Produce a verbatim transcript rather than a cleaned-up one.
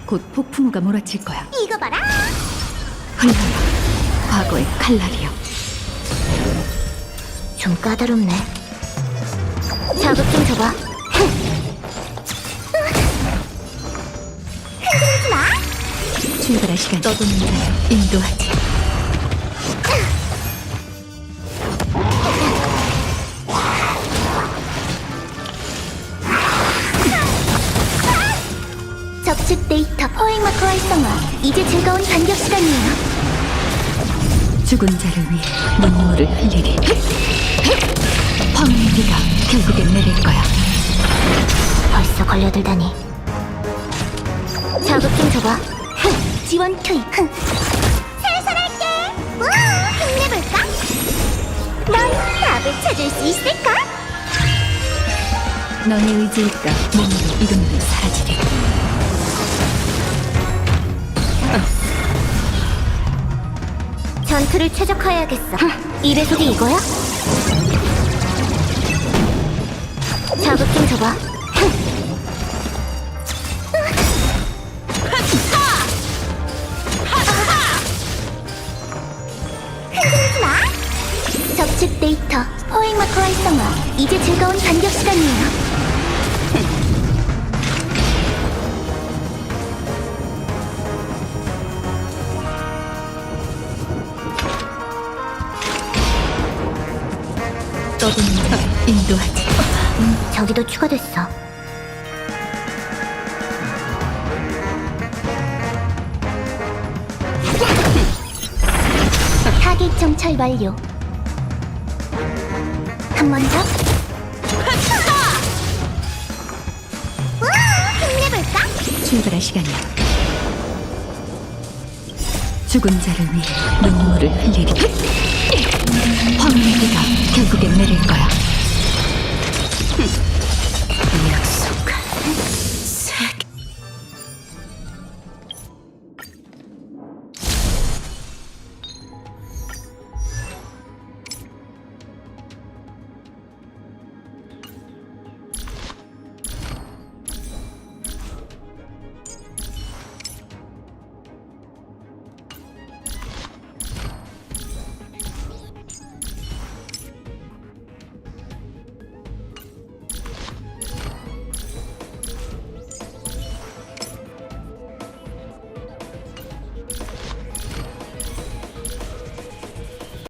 곧 폭풍우가 몰아칠 거야. 이거 봐라. 흘러라, 과거의 칼날이여. 좀 까다롭네. 자극 좀 줘봐. 흔들지 마. 출발할 시간. 떠도는 자여 인도하지. 적집 데이터 포획 마커 활성화. 이제 즐거운 반격 시간이에요. 죽은 자를 위해 눈물을 흘리리. 황혼의 비가 결국엔 내릴 거야. 벌써 걸려들다니. 자극 좀 줘봐. 흥, 지원 투입. 흥. 살살할게. 우와, 힘내볼까? 넌 답을 찾을 수 있을까? 너의 의지일까 몸으로 이름으로 사라지리. 전투를 최적화해야겠어. 이 배속이 이거야? 자극 좀 줘봐. 흔들지 마. 적집 데이터 포획 마커 활성화. 이제 즐거운 반격 시간이에요. 떠도는 자여 인도하지. 음, 저기도 추가됐어. 타겟 정찰 완료. 한 번 더. 우와, 힘내볼까? 출발할 시간이야. 죽은 자를 위해 눈물을 흘리리. 황혼의 비가 결국엔 내릴 거야. 이야,